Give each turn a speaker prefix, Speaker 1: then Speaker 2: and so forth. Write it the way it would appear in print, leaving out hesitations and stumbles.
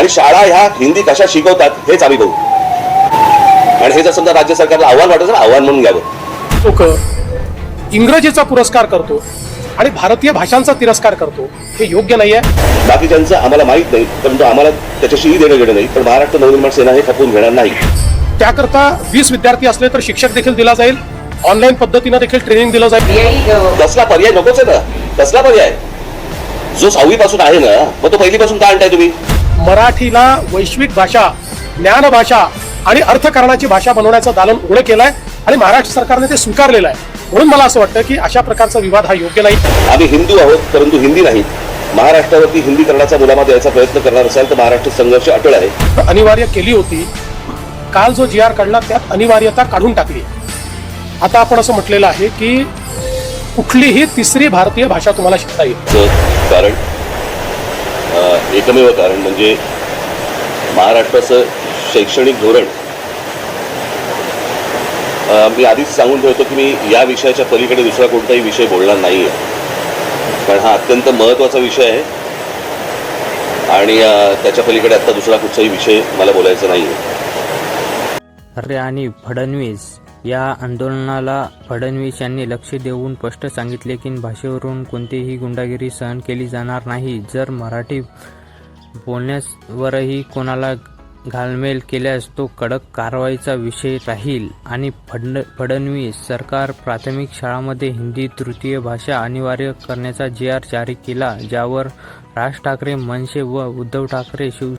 Speaker 1: आणि शाळा ह्या हिंदी कशा शिकवतात हेच आम्ही बघू. आणि हे जर समजा राज्य सरकारला आव्हान वाटत असेल, आव्हान म्हणून घ्यावं.
Speaker 2: लोक इंग्रजीचा पुरस्कार करतो आणि भारतीय भाषांचा तिरस्कार करतो, हे योग्य नाही आहे.
Speaker 1: बाकीच्यांचं आम्हाला माहित नाही, परंतु आम्हाला त्याच्याशीही देणं घेणं नाही. पण महाराष्ट्र नवनिर्माण सेना हे खपवून घेणार नाही.
Speaker 2: त्याकरता 20 विद्यार्थी असले तर शिक्षक देखील दिला जाईल, ऑनलाईन पद्धतीनं देखील ट्रेनिंग दिलं जाईल.
Speaker 1: तसला पर्याय नकोच आहे ना. तसला पर्याय जो 6वी पासून आहे ना, मग तो पहिलीपासून का आणताय तुम्ही?
Speaker 2: मराठीला वैश्विक भाषा, ज्ञान भाषा आणि अर्थकारणाची भाषा बनवण्याचं दालन उघडं केलंय आणि महाराष्ट्र सरकारने ते स्वीकारलेलं आहे. म्हणून मला असं वाटतं की अशा प्रकारचा विवाद हा योग्य नाही.
Speaker 1: आम्ही हिंदू आहोत, परंतु हिंदी नाही. महाराष्ट्रावरती हिंदीकरणाचा मुलामा द्यायचा प्रयत्न करणार असाल तर महाराष्ट्र संघर्ष अटळ आहे.
Speaker 2: अनिवार्य केली होती. काल जो GR काढला त्यात अनिवार्यता काढून टाकली. आता आपण असं म्हटलेलं आहे की कुठलीही तिसरी भारतीय भाषा तुम्हाला शिकता येईल.
Speaker 1: कारण एकमेव कारण म्हणजे महाराष्ट्राचं शैक्षणिक धोरण. मी आधीच सांगून ठेवतो की मी या विषयाच्या पलीकडे दुसरा कोणताही विषय बोलणार नाही आहे, कारण हा अत्यंत महत्त्वाचा विषय आहे आणि त्याच्या पलीकडे आता दुसरा कुठचाही विषय मला बोलायचा नाही आहे.
Speaker 3: अरे आणि फडणवीस या आंदोलनाला फडणवीस यांनी लक्ष देऊन स्पष्ट सांगितले की भाषेवरून कोणतीही गुंडागिरी सहन केली जाणार नाही. जर मराठी बोलण्यावरही कोणाला घालमेल केल्यास तो कडक कारवाईचा विषय राहील. आणि फडणवीस सरकार प्राथमिक शाळांमध्ये हिंदी तृतीय भाषा अनिवार्य करण्याचा GR जारी केला, ज्यावर राज ठाकरे, मनसे व उद्धव ठाकरे